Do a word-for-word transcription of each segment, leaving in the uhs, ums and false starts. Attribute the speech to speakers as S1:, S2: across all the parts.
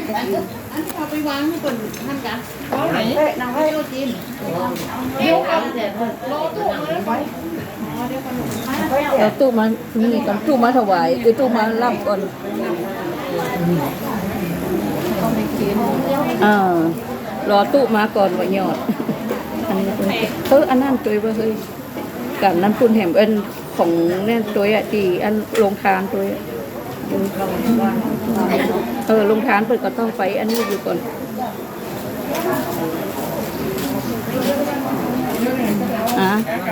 S1: อันที่เขาไปวางนี่ก่อนท่านกันเขาไหนนางไว้โอจีนเดี๋ยวเอารอตู้มาไว้เดี๋ยวขนมมา
S2: เอาตู้มานี่ก่อนตู้มาถวายคือตู้มารับก่อนอ่ารอตู้มาก่อนว่าหยอดอันนี้เอออันนั้นตัวว่าเฮ้ยกับนั้นปุ่นแหมเอินของแน่นตัวอ่ะตีอันลงทานตัวอ่ะเออลงทานเปิดก็ต้องไปอันนี้อยู่ก่อนอ่ะ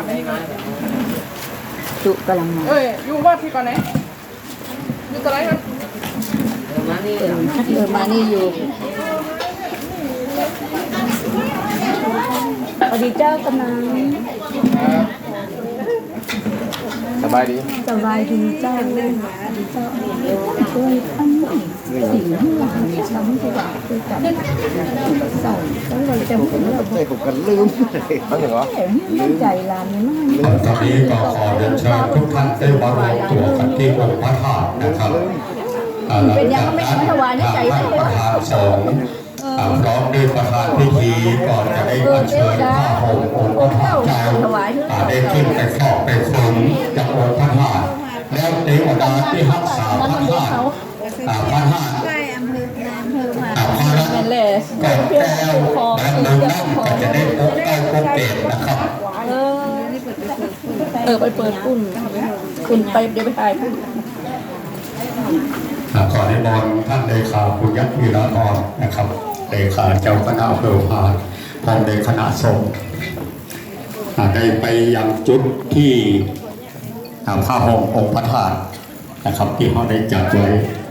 S2: ตุกำลังมา
S1: เอ้ยอยู่วัดที่ก่อนไหนอยู่ตรงไหนมัน
S2: เออเออมานี่อยู่สวัสดีเจ้ากำลัง
S3: สบายดี
S2: สบายดีเจ้าเล่นหาดีเจ้าช่วยท่านสิ่งที่หลังช้ำที่ว่าคือกับใส่แล้วเราจำเป็นเรา
S3: ใจผมกันลืมตั้งอย่างวะ
S2: ลืมใจลานนี่มาก
S4: ตอนนี้ก็ขอเรียนเชิญทุกท่านได้มารวมตัวกันที่องค์พระธาตุนะครับเป็นยังไม่ถวายนี่ใจไม่ประธานสงฆ์พร้อมด้วยประธานพิธีก่อนจะได้อัญเชิญพระห่มองค์พระธาตุเจ้าได้ขึ้นไปครอบไปคุ้มจากองค์พระธาตุแล้วเทวดาที่รักษาพระธาตุพระธาตุ
S2: ใช่อำเภออำเภอมา
S4: พระ
S2: เป็นแหล่
S4: แก้วแก้วและเมืองนั่นก็จะได้พบใกล้พบเกตนะครับ
S2: เออเออไปเปิดปุ้นคุณไปเดี๋ยวไปถ่ายปุ้น
S4: ขอนิมนต์ท่านเลขาคุณยักษ์วีระธรนะครับเลขาเจ้าคณะอำเภอพานพร้อมในคณะสงฆ์ได้ไปยังจุดที่พระห่มองค์พระธาตุนะครับที่เขาได้จัดไว้